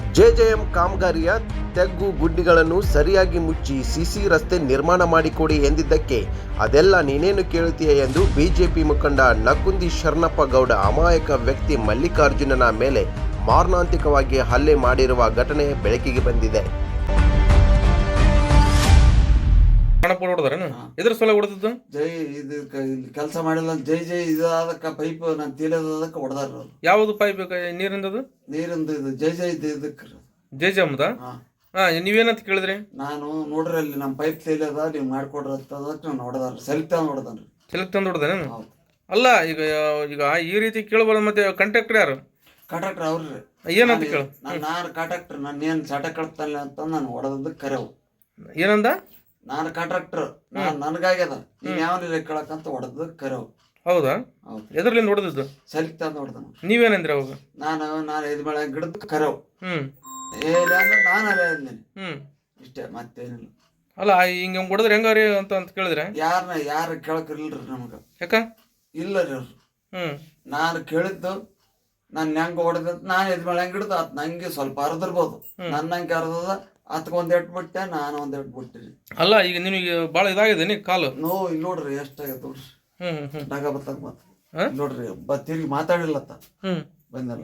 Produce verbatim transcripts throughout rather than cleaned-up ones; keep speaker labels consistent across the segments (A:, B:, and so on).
A: JJM ಕಾಮಗಾರಿಯ ತೆಗ್ಗು ಗುಡ್ಡಿಗಳನ್ನು ಸರಿಯಾಗಿ ಮುಚ್ಚಿ ಸಿಸಿ ರಸ್ತೆ ನಿರ್ಮಾಣ ಮಾಡಿಕೊಡಿ ಎಂದಿದ್ದಕ್ಕೆ ಅದೆಲ್ಲ ನೀನೇನು ಕೇಳುತ್ತೀಯ ಎಂದು ಬಿಜೆಪಿ ಮುಖಂಡ ನಕುಂದಿ ಶರಣಪ್ಪ ಗೌಡ ಅಮಾಯಕ ವ್ಯಕ್ತಿ ಮಲ್ಲಿಕಾರ್ಜುನನ ಮೇಲೆ ಮಾರಣಾಂತಿಕವಾಗಿ ಹಲ್ಲೆ ಮಾಡಿರುವ ಘಟನೆ ಬೆಳಕಿಗೆ ಬಂದಿದೆ.
B: ಎದ್ರ ಸಲ ಹೊಡೆದದ್ದು
C: ಜೈ ಇದು ಕೆಲಸ ಮಾಡಿಲ್ಲ ಜೈ ಜೈ ಇದಾದಕ್ಕ ಪೈಪ್ ನಾನು ತೀಲದಕ್ಕ ಹೊಡೆದಾರ.
B: ಯಾವುದು ಪೈಪ್ ನೀರಿಂದದು?
C: ನೀರಿಂದು ಇದು ಜೈ ಜೈ ಇದಕ್ಕೆ
B: ಜೈ ಜಮ್ದ. ಹಾ ನೀವೇನಂತ ಕೇಳಿದ್ರಿ?
C: ನಾನು ನೋಡ್ರಿ ಅಲ್ಲಿ ನಮ್ಮ ಪೈಪ್ ತೇಲದ ನೀವು ಮಾಡ್ಕೊಡ್ರಿ ಅಂತದಕ್ಕೆ ನಾನು ಹೊಡೆದಾರ. ಸೆಲ್ಕ್ ತಂದು ಹೊಡೆದಾನ್ರಿ.
B: ಸೆಲ್ಕ್ ತಂದು ಹೊಡೆದಾನ? ಅಲ್ಲ ಈಗ ಈಗ ಈ ರೀತಿ ಕೇಳಬಾರ್ದು. ಮತ್ತೆ ಕಾಂಟ್ರಾಕ್ಟರ್ ಯಾರು?
C: ಕಾಂಟ್ರಾಕ್ಟರ್ ಅವ್ರಿ.
B: ಏನಂತ ಕೇಳು?
C: ನಾನು ನಾನು ಕಾಂಟ್ರಾಕ್ಟರ್ ನಾನು ಏನು ಚಾಟ ಕಳ್ತಾನೆ ಅಂತ ನಾನು ಹೊಡೆದದ್ದು ಕರೆವು.
B: ಏನಂದ?
C: ನಾನು ಕಾಂಟ್ರಾಕ್ಟರ್ ನಾನು ನನಗಾಗ್ಯದ ನೀನ್ ಯಾವನಿಲ್ಲ ಕೇಳಕ್ಕಂತ ಹೊಡೆದ ಕರೆವು.
B: ಹೌದಾ? ಎದ್ರಲಿಂದ ಹೊಡೆದದ್ದು?
C: ಸೆಲ್ಕ್ ತಂದು ಹೊಡೆದ.
B: ನೀವೇನಂದ್ರಿ ಅವಾಗ?
C: ನಾನು ನಾನು ಐದು ಮಳೆ ಗಿಡದ ಕರೆವು.
B: ಹ್ಮ್
C: ಏನಿಲ್ಲ ಅಂದ್ರೆ ನಾನು ಅಲ್ಲೇ ಅಂದೇನೆ.
B: ಹ್ಮ್
C: ಇಷ್ಟೇ ಮತ್ತೇನಿಲ್ಲ.
B: ಅಲ್ಲ ಹಿಂಗ ಹೊಡೆದ್ರೆ ಹೆಂಗಾರಿ ಅಂತ ಅಂತ ಕೇಳಿದ್ರೆ
C: ಯಾರನ್ನ ಯಾರು ಕೇಳಕ್ರಿಲ್ರಿ ನಮಗ.
B: ಯಾಕ?
C: ಇಲ್ಲ ರೀ ಅವ್ರು.
B: ಹ್ಮ್
C: ನಾನು ಕೇಳಿದ್ದು ನಾನು ಹೆಂಗ ಹೊಡೆದ ನಾನು ಐದು ಮಳೆ ಗಿಡದ ಅದ್ ನಂಗೆ ಸ್ವಲ್ಪ ಅರ್ದಿರ್ಬೋದು. ನನ್ನ ಹಂಗೆ ಅರ್ದದ ಅತ್ಕ ಒಂದ್ ಎಟ್ ಬಿಟ್ಟೆ ನಾನು ಒಂದ್ ಎಟ್ ಬಿಟ್ಟಿರಿ.
B: ಅಲ್ಲ ಈಗ ನಿನಗೆ ಬಾಳ ಇದಾಗಿದೆ ನೀ ಕಾಲು
C: ನೋವು ಇಲ್ಲಿ ನೋಡ್ರಿ ಎಷ್ಟಾಗೈತೆ ನೋಡ್ರಿ.
B: ಹ್ಮ್ ಹ್ಮ್
C: ಡಾಗ ಬತ್ತಾಗ ಬತ್ತ ನೋಡ್ರಿ ಬ ತಿರುಗಿ ಮಾತಾಡಿಲ್ಲತ್ತ.
B: ಹ್ಮ್
C: ಬಂದಲ್ಲ.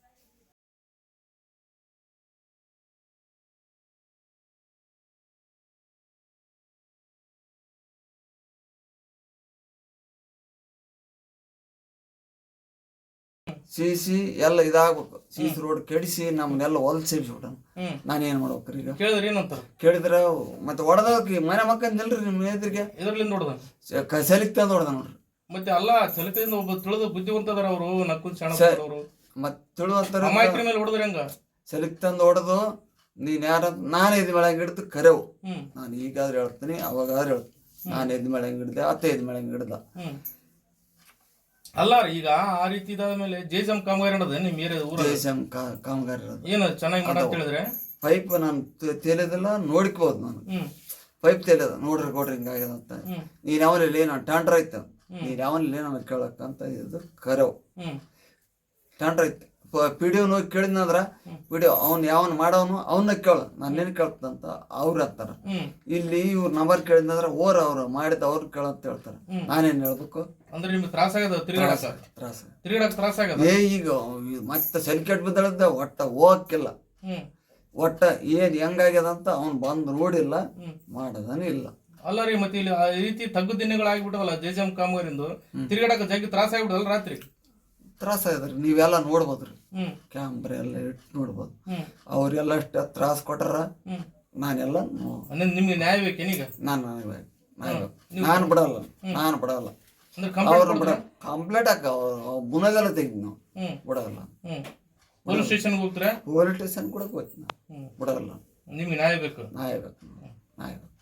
C: ಸಿಸಿ ಎಲ್ಲ ಇದಾಗ್ಬೇಕು. ಸಿಸಿ ರೋಡ್ ಕೆಡಿಸಿ ನಮ್ನೆಲ್ಲ ಹೊಲ್ಸಿ ಬಿಟ್ಟ. ನಾನೇನ್ ಮಾಡ್ಬೇಕ್ರಿ ಈಗ?
B: ಕೇಳಿದ್ರಿ ಏನಂತ?
C: ಕೇಳಿದ್ರ ಮತ್ತೆ ಹೊಡೆದಕ್ಕೆ ಮನೆ ಮಕ್ಕಂದಿಲ್ರಿ ನಿಮ್ ಎದುರಿಗೆ
B: ಎದ್ರಲಿಂದ ಹೊಡೆದ?
C: ಸೆಲಿಕ್ ತಂದು ಹೊಡೆದ ನೋಡ್ರಿ.
B: ಮತ್ತೆ ಅಲ್ಲ ಸೆಲಕಿಂದ ಒಬ್ಬ ತಿಳಿದು ಬುದ್ಧಿವಂತದಾರ ಅವರು ನಕ್ಕುಂದ್ ಶರಣ ಅವರು.
C: ಮತ್ ತಿಳುವಂತಾರ
B: ಅಮಾಯಕರ ಮೇಲೆ ಹೊಡೆದ್ರೆ ಹೆಂಗ?
C: ಸೆಲಿಕ್ ತಂದು ಹೊಡೆದು ನೀನ್ ಯಾರ ನಾನು ಐದು ಮಳೆ ಹಿಡ್ದು ಕರೆವು.
B: ಹ್ಮ್
C: ನಾನು ಈಗಾದ್ರೆ ಹೇಳ್ತೀನಿ ಅವಾಗಾದ್ರೆ ಹೇಳ್ತೀನಿ. ನಾನು ಐದು ಮಳೆ ಹಿಡ್ದೆ ಅತ್ತ ಐದು ಮಳೆ ಹಿಡ್ದ.
B: ಹ್ಮ್ ಅಲ್ಲ ಈಗ ಆ ರೀತಿ ಇದಾದ ಮೇಲೆ ಜೆಜೆಎಂ ಕಾಮಗಾರಿ ನಡೆದ ನಿಮ್ ಏರಿಯಾದ ಊರ?
C: ಜೆಜೆಎಂ ಕಾಮಗಾರಿ
B: ಏನು ಚೆನ್ನಾಗಿ ಮಾಡ ಅಂತ ಹೇಳಿದ್ರೆ
C: ಪೈಪ್ ನಾನು ತೇಲಿದೆಲ್ಲ ನೋಡ್ಕೋಬೋದು. ನಾನು ಪೈಪ್ ತೇಲದ ನೋಡ್ರಿ ಕೊಡ್ರಿ ಹಿಂಗಾಗ್ಯದ ಅಂತ. ನೀನ್ ಯಾವನಲ್ಲಿ ನಾನು ಟ್ಯಾಂಡ್ರ್ ಐತ ನೀನ್ ಯಾವನಲ್ಲಿ ನಾನು ಕೇಳಕ್ಕಂತ ಇದು ಕರೆವು. ಟ್ಯಾಂಡ್ರ್ ಐತೆ ಪಿ ಡಿ ಹೋಗಿ ಕೇಳಿದ್ನಂದ್ರ ಪಿ ಡಿ ಅವ್ನು ಯಾವನ್ ಮಾಡವನು ಅವನ್ನ ಕೇಳ ನಾನೇನು ಕೇಳ್ತಂತ ಅವ್ರು ಹತ್ತಾರ. ಇಲ್ಲಿ ಇವ್ರ ನಂಬರ್ ಕೇಳಿದ್ನಂದ್ರ ಓರ್ ಅವ್ರು ಮಾಡಿದ ಅವ್ರು ಕೇಳಂತ ಹೇಳ್ತಾರ. ನಾನೇನ್ ಹೇಳ್ಬೇಕು?
B: ಅಂದ್ರೆ ನಿಮ್ಗೆ ತ್ರಾಸ ಆಗದ
C: ತ್ರಾಸ
B: ತಿರುಗಾಡಕ್ ತ್ರಾಸ ಆಗದ.
C: ಏ ಈಗ ಮತ್ತೆ ಸೆಲ್ಕೆಟ್ ಬಿದ್ದಳದ ಒಟ್ಟ ಹೋಗಕ್ಕಿಲ್ಲ. ಒಟ್ಟ ಏನ್ ಹೆಂಗಾಗ್ಯದ ಅಂತ ಅವ್ನ್ ಬಂದ್ ನೋಡಿಲ್ಲ ಮಾಡದನೇ ಇಲ್ಲ.
B: ಅಲ್ಲ ರೀ ಮತ್ತೆ ಇಲ್ಲಿ ಈ ರೀತಿ ತಗ್ಗು ದಿನಗಳಾಗ್ಬಿಟ್ಟವಲ್ಲ ಜೆಜೆಎಂ ಕಾಮಗಾರಿಂದು ತಿರುಗಾಡಕ ಜಗ್ಗಿ ತ್ರಾಸ ಆಗ್ಬಿಡಲ್ಲ ರಾತ್ರಿ?
C: ತ್ರಾಸ ಆಗದ್ರಿ. ನೀವೆಲ್ಲ ನೋಡ್ಬೋದ್ರಿ ಕ್ಯಾಮ್ರಾ ಎಲ್ಲ ಇಟ್ಟು ನೋಡ್ಬೋದು. ಅವ್ರೆಲ್ಲ ಅಷ್ಟ ತ್ರಾಸ ಕೊಟ್ಟಾರ. ನಾನೆಲ್ಲ
B: ನಿಮ್ಗೆ ನ್ಯಾಯ ಬೇಕೇನೀಗ?
C: ನಾನು ನಾನು ಬಿಡಲ್ಲ ನಾನು ಬಿಡಲ್ಲ. ಅವ್ರ ಬಿಡ ಕಂಪ್ಲೇಂಟ್ ಹಾಕ ಮುನಗೆಲ್ಲ ತೆಗಿ ನಾವು ಬಿಡಲ್ಲ.
B: ಪೊಲೀಸ್ ಸ್ಟೇಷನ್ ಹೋಗ್ತೀರಾ?
C: ಪೊಲೀಸ್ ಸ್ಟೇಷನ್ ಕೂಡ ಹೋಗ್ತೀನಿ ಬಿಡಲ್ಲ.
B: ನಿಮ್ಗೆ ನ್ಯಾಯ ಬೇಕು.
C: ನ್ಯಾಯ ಬೇಕು ನ್ಯಾಯ ಬೇಕು.